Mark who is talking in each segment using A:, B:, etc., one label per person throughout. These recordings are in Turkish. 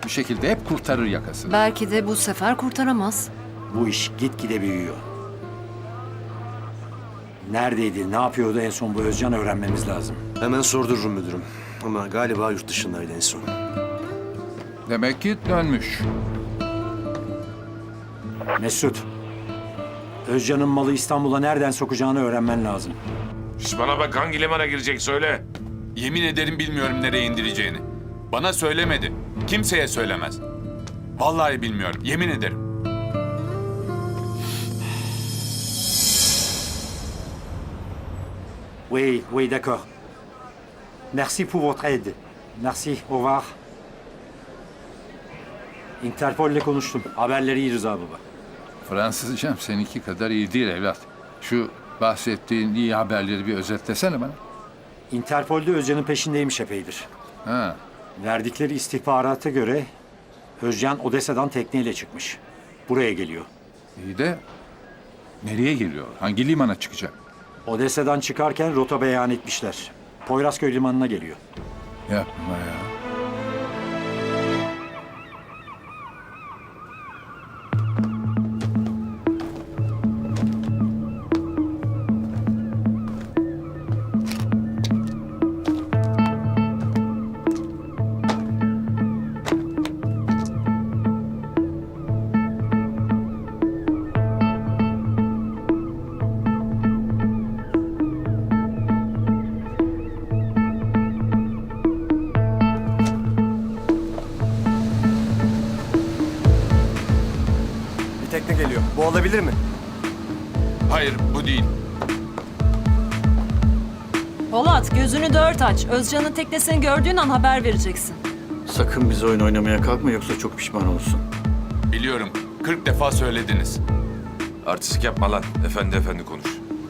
A: Bir şekilde hep kurtarır yakasını.
B: Belki de bu sefer kurtaramaz.
C: Bu iş gitgide büyüyor. Neredeydi, ne yapıyordu en son bu Özcan öğrenmemiz lazım.
D: Hemen sordururum müdürüm. Ama galiba yurt dışındaydı en son.
A: Demek ki dönmüş.
C: Mesut, Özcan'ın malı İstanbul'a nereden sokacağını öğrenmen lazım.
E: Şş, bana bak, hangi limana girecek söyle.
F: Yemin ederim bilmiyorum nereye indireceğini. Bana söylemedi. Kimseye söylemez. Vallahi bilmiyorum. Yemin ederim.
C: Oui, oui, d'accord. Merci pour votre aide. Merci, au revoir. Interpol'le konuştum. Haberleri iyi Rıza baba.
A: Fransızcam seninki kadar iyi değil evlat. Şu bahsettiğin iyi haberleri bir özetlesene bana.
C: Interpol'de Özcan'ın peşindeymiş epeydir.
A: Ha,
C: Verdikleri istihbarata göre Özcan Odessa'dan tekneyle çıkmış. Buraya geliyor.
A: iyi de nereye geliyor? Hangi limana çıkacak?
C: Odessa'dan çıkarken rota beyan etmişler. Poyrazköy limanına geliyor.
A: Yapma ya.
D: Bir tekne geliyor. Bu olabilir mi?
F: Hayır, bu değil.
B: Polat, gözünü dört aç. Özcan'ın teknesini gördüğün an haber vereceksin.
G: Sakın bize oyun oynamaya kalkma yoksa çok pişman olursun.
F: Biliyorum. 40 defa söylediniz.
E: Artistik yapma lan. Efendi efendi konuş.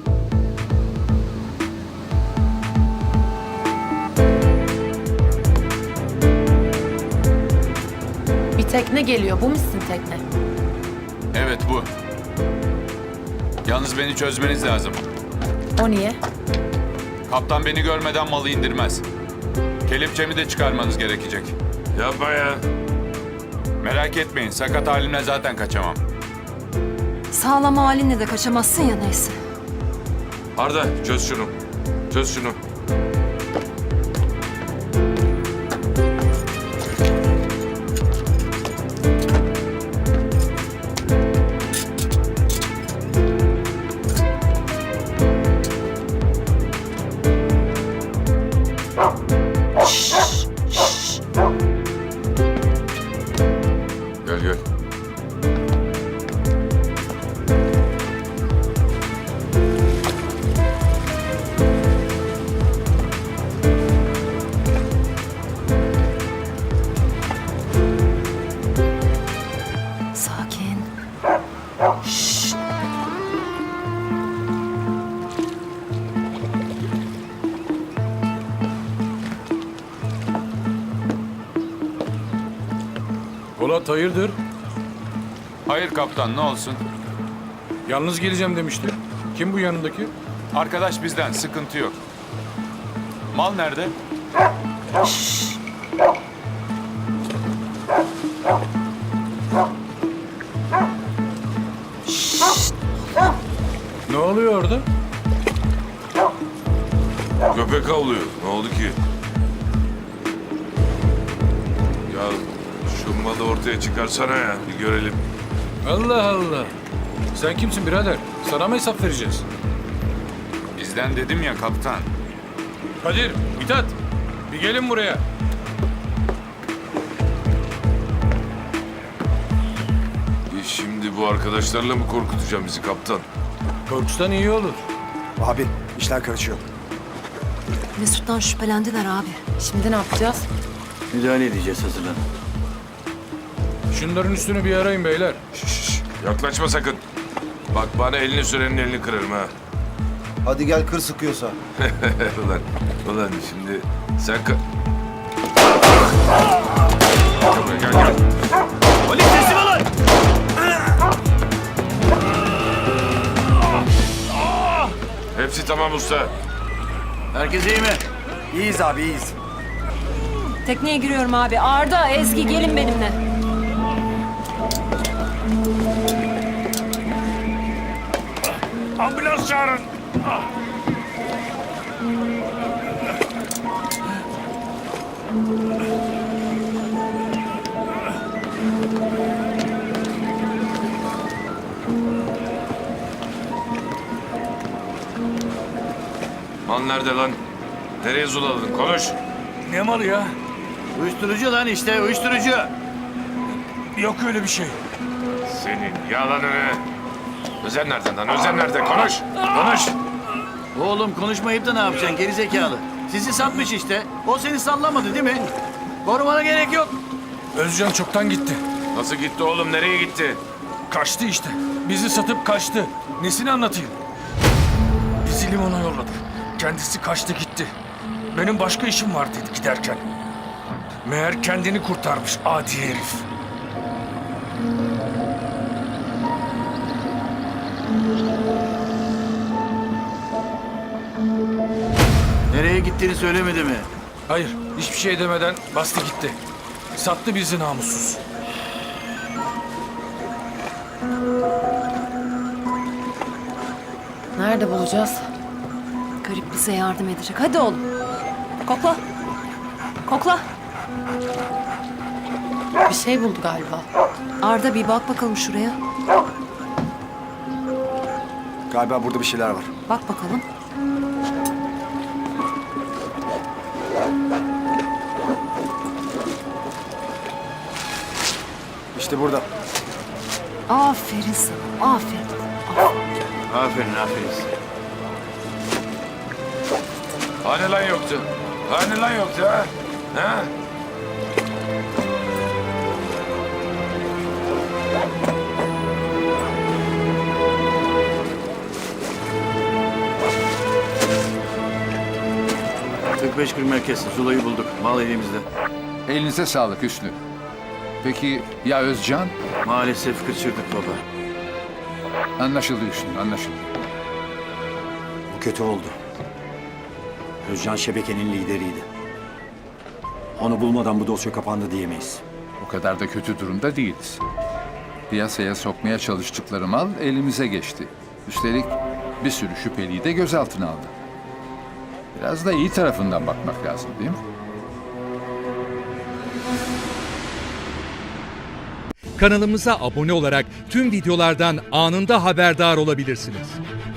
H: Bir tekne geliyor. Bu musun tekne?
F: Evet bu. Yalnız beni çözmeniz lazım.
H: O niye?
F: Kaptan beni görmeden malı indirmez. Kelepçemi de çıkarmanız gerekecek.
E: Yapma ya.
F: Merak etmeyin. Sakat halimle zaten kaçamam.
B: Sağlam halinle de kaçamazsın ya neyse.
E: Arda, çöz şunu. Çöz şunu. Gel gel.
B: Sakin.
I: Polat hayırdır?
F: Hayır kaptan, ne olsun?
I: Yalnız geleceğim demişti. Kim bu yanındaki?
F: Arkadaş bizden, sıkıntı yok. Mal nerede?
I: Ne oluyor orada?
E: Köpek avlıyor. Ne oldu ki? Ya şu malı ortaya çıkarsana ya. Bir görelim.
I: Allah Allah. Sen kimsin birader? Sana mı hesap vereceğiz?
F: Bizden dedim ya kaptan.
I: Kadir, Mithat. Bir gelin buraya.
E: Şimdi bu arkadaşlarla mı korkutacağım bizi kaptan?
I: Korkustan iyi olur.
D: Abi işler karışıyor.
B: Mesut'tan şüphelendiler abi.
H: Şimdi ne yapacağız?
G: Müdahale edeceğiz, hazırlan.
I: Şunların üstünü bir arayın beyler.
E: Şş, yaklaşma sakın. Bak bana elini sürenin elini kırarım ha.
D: Hadi gel kır sıkıyorsa.
E: ulan şimdi sen... Gel gel.
D: Polis teslim olun!
E: Hepsi tamam usta.
G: Herkes iyi mi?
D: İyiyiz abi iyiyiz.
B: Tekneye giriyorum abi. Arda, Ezgi gelin benimle.
E: Ambulans çağırın. Mal nerede lan? Nereye zuladın? Konuş.
I: Ne malı ya?
G: Uyuşturucu lan işte, uyuşturucu.
I: Yok öyle bir şey.
E: Senin yalanını. Özen nereden lan? Özen nerede? Konuş. Konuş.
G: Oğlum konuşmayıp da ne yapacaksın gerizekalı? Sizi satmış işte. O seni sallamadı değil mi? Korumana gerek yok.
I: Özcan çoktan gitti.
E: Nasıl gitti oğlum? Nereye gitti?
I: Kaçtı işte. Bizi satıp kaçtı. Nesini anlatayım? Bizi limana yolladı. Kendisi kaçtı gitti. Benim başka işim var dedi giderken. Meğer kendini kurtarmış adi herif.
G: Nereye gittiğini söylemedi mi?
I: Hayır, hiçbir şey demeden bastı gitti. Sattı bizi namussuz.
H: Nerede bulacağız?
B: Garip bize yardım edecek. Hadi oğlum. Kokla. Kokla.
H: Bir şey buldu galiba.
B: Arda bir bak bakalım şuraya.
D: Galiba burada bir şeyler var.
B: Bak bakalım.
D: İşte burada.
B: Aferin sana. Aferin.
G: Aferin, aferin size.
E: Hani lan yoktu? Hani lan yoktu ha? Ha?
G: ...45 gün merkez. Zula'yı bulduk. Mal elimizde.
A: Elinize sağlık Hüsnü. Peki ya Özcan?
G: Maalesef kaçırdık baba.
A: Anlaşıldı Hüsnü, anlaşıldı.
C: Bu kötü oldu. Özcan şebekenin lideriydi. Onu bulmadan bu dosya kapandı diyemeyiz.
A: O kadar da kötü durumda değiliz. Piyasaya sokmaya çalıştıkları mal elimize geçti. Üstelik bir sürü şüpheliyi de gözaltına aldı. Biraz da iyi tarafından bakmak lazım değil mi?
J: Kanalımıza abone olarak tüm videolardan anında haberdar olabilirsiniz.